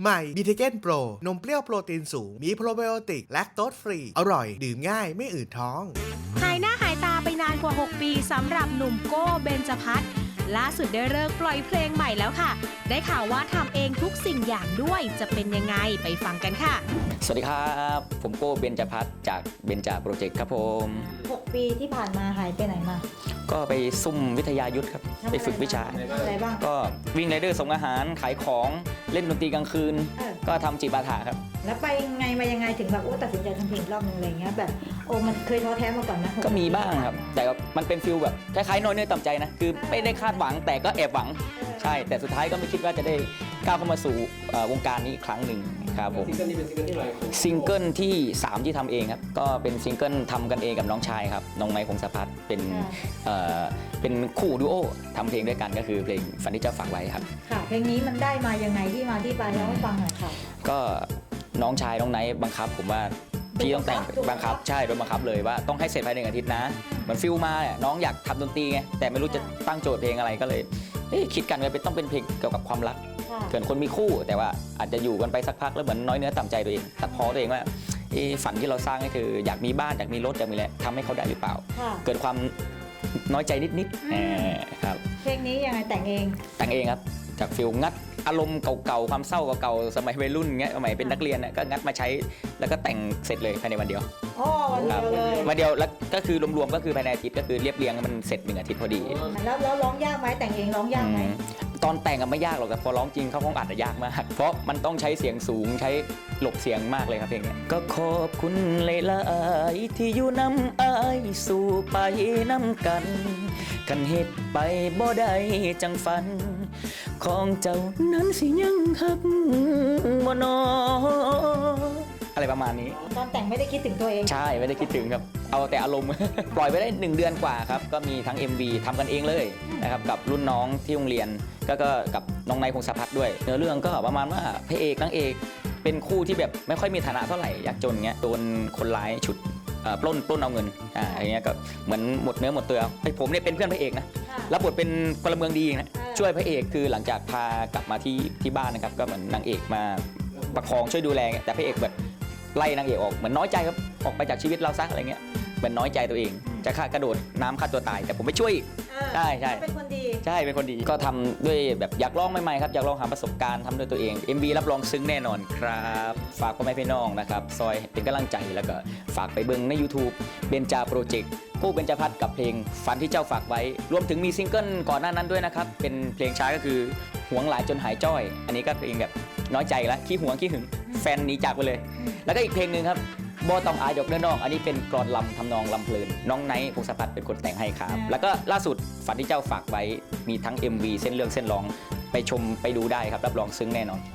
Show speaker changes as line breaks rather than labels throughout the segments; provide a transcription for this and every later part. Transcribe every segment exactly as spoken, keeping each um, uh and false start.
ใหม่บีเทเกนโปรนมเปรี้ยวโปรตีนสูงมีโปรไบโอติกแลคโตสฟรีอร่อยดื่มง่ายไม่อืดท้อง
หายหน้าหายตาไปนานกว่าหกปีสำหรับหนุ่มโก้เบญจพัฒน์ล่าสุดได้เลิกปล่อยเพลงใหม่แล้วค่ะได้ข่าวว่าทำเองทุกสิ่งอย่างด้วยจะเป็นยังไงไปฟังกันค่ะ
สวัสดีครับผมโก้เบญจพัฒน์จากเบญจโปรเจกต์ครับผม
หกปีที่ผ่านมาหายไปไหนมา
ก็ไปซุ่มวิทยายุทธครับไปฝึกวิชา
อะไรบ้าง
ก็วิ่งไรเดอร์ส่งอาหารขายของเล่นดนตรีกลางคืนก็ทำจิปาถะครับ
แล้วไปไงมายังไงถึงแบบโอ้ตัดสินใจทำเพลงรอบนึงอะไรเงี้ยแบบโอ้มันเคยท้อแท้มาก่อนไหม
ก็มีบ้างครับแต่มันเป็นฟิลแบบคล้ายๆน้อยเนื้อต่ำใจนะคือไม่ได้คาดหวังแต่ก็แอบหวังใช่แต่สุดท้ายก็ไม่คิดว่าจะได้ก้าวเข้ามาสู่วงการนี้อีกครั้งหนึ่งครับผมซิงเกิลนี้เป็นซิงเกิลที่อะไรซิงเกิลที่สามที่ทำเองครับก็เป็นซิงเกิลทำกันเองกับน้องชายครับน้องไมค์พงศพัฒน์เป็นเป็นคู่ดูโอทำเพลงด้วยกันก็คือเพลงฝันที่เจ้าฝากไว้ครับ
ค่ะเพลงนี้มันได้มายังไงที่มาที่ไปเล่าให้ฟังหน่อยค่ะ
ก็น้องชายน้องไนท์บังคับผมว่าพี่ต้องแต่งบังคับใช่โดนบังคับเลยว่าต้องให้เสร็จภายในหนึ่งอาทิตย์นะเหมือนฟิลมาเนี่ยน้องอยากทำดนตรีไงแต่ไม่รู้จะตั้งโจทย์เพลงอะไรก็เลยคิดกันว่าเป็นต้องเป็นเพลงเกี่ยวกับความรักเกิดคนมีคู่แต่ว่าอาจจะอยู่กันไปสักพักแล้วเหมือนน้อยเนื้อต่ำใจตัวเองตัดพ้อตัวเองว่าฝันที่เราสร้างนี่คืออยากมีบ้านอยากมีรถอยากมีอะไรทำให้เขาได้หรือเปล่าเกิดความน้อยใจนิดๆครับ
เพลงนี้ยังไงแต่งเอง
แต่งเองครับจากฟิลงัดอารมณ์เก่าๆความเศร้าเก่าๆสมัยวัยรุ่นเงี้ยสมัยเป็นนักเรียนก็งัดมาใช้แล้วก็แต่งเสร็จเลยภายในวันเดียว
อ๋อวันเดียวเลย
วันเดียวแล้วก็คือรวมๆก็คือภายในอาทิตย์ก็คือเรียบเรียงมันเสร็จหนึ่งอาทิตย์พอดี
แล้วแล้วร้องยากไหมแต่งเองร้องยากไหม
ตอนแต่งก็ไม่ยากหรอกแต่พอร้องจริงเข้าห้องอัดจะยากมากเพราะมันต้องใช้เสียงสูงใช้หลบเสียงมากเลยครับเพลงนี้ก็ขอบคุณหลายๆที่อยู่น้ำอายสู่ไปน้ำกันกันเหตุไปบ่ได้จังฝันของเจ้านั้นสิยังหักบ่นออะไรประมาณนี้
ตอนแต่งไม่ได้คิดถึงตัวเอง
ใช่ไม่ได้คิดถึงครับเอาแต่อารมณ์ ปล่อยไปได้หนึ่งเดือนกว่าครับก็มีทั้ง เอ็ม วี ทำกันเองเลยนะครับกับรุ่นน้องที่โรงเรียนก็ก็กับน้องไนท์พงศพัฒน์ด้วยเนื้อเรื่องก็ประมาณว่าพระเอกนางเอกเป็นคู่ที่แบบไม่ค่อยมีฐานะเท่าไหร่ยากจนเงี้ยโดนคนร้ายฉุดปล้นปล้นเอาเงินอ่าอย่างเงี้ยก็เหมือนหมดเนื้อหมดตัวไอ้ผมเนี่ยเป็นเพื่อนพระเอกนะรับบทเป็นพลเมืองดีนะช่วยพระเอกคือหลังจากพากลับมาที่ที่บ้านนะครับก็เหมือนนางเอกมาประคองช่วยดูแลแต่พระเอกแบบไล่นางเอกออกเหมือนน้อยใจครับออกไปจากชีวิตเราซะอะไรเงี้ยเหมือนน้อยใจตัวเองจะฆ่ากระโดดน้ำฆ่าตัวตายแต่ผมไม่ช่วยใช่ใช่
เป็นคนดี
ใช่เป็นคนดีก็ทำด้วยแบบอยากลองใหม่ๆครับอยากลองหาประสบการณ์ทำด้วยตัวเอง เอ็ม วี รับรองซึ้งแน่นอนครับฝากพ่อแม่พี่น้องนะครับซอยเป็นกำลังใจแล้วก็ฝากไปเบิ่งใน ยูทูบ เบญจโปรเจกต์กู้เบญจพัฒน์กับเพลงฝันที่เจ้าฝากไว้รวมถึงมีซิงเกิลก่อนหน้านั้นด้วยนะครับเป็นเพลงช้าก็คือหวงหลายจนหายจ้อยอันนี้ก็เพลงแบบน้อยใจแล้วขี้หวงขี้หึงแฟนหนีจากไปเลยแล้วก็อีกเพลงหนึ่งครับบ่ต้องอายดอกเด้อน้องอันนี้เป็นกลอนลำทำนองลำเพลินน้องไนท์พงศพัฒน์เป็นคนแต่งให้ครับแล้วก็ล่าสุดฝันที่เจ้าฝากไว้มีทั้ง เอ็ม วี เส้นเรื่องเส้นร้องไปชมไปดูได้ครับรับรองซึ้งแน่นอน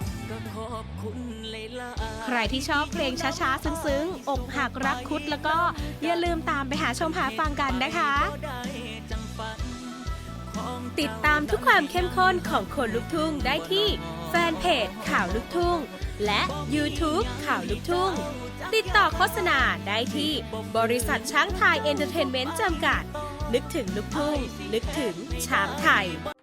ใครที่ชอบเพลงช้าๆซึ้งๆอกหักรักคุดแล้วก็อย่าลืมตามไปหาชมหาฟังกันนะคะติดตามทุกความเข้มข้นของคนลุกทุ่งได้ที่แฟนเพจข่าวลุกทุ่งและ ยูทูบ ข่าวลุกทุ่งติดต่อโฆษณาได้ที่บริษัทช้างไทยเอนเตอร์เทนเมนต์จำกัดนึกถึงลุกทุ่งนึกถึงช้างไทย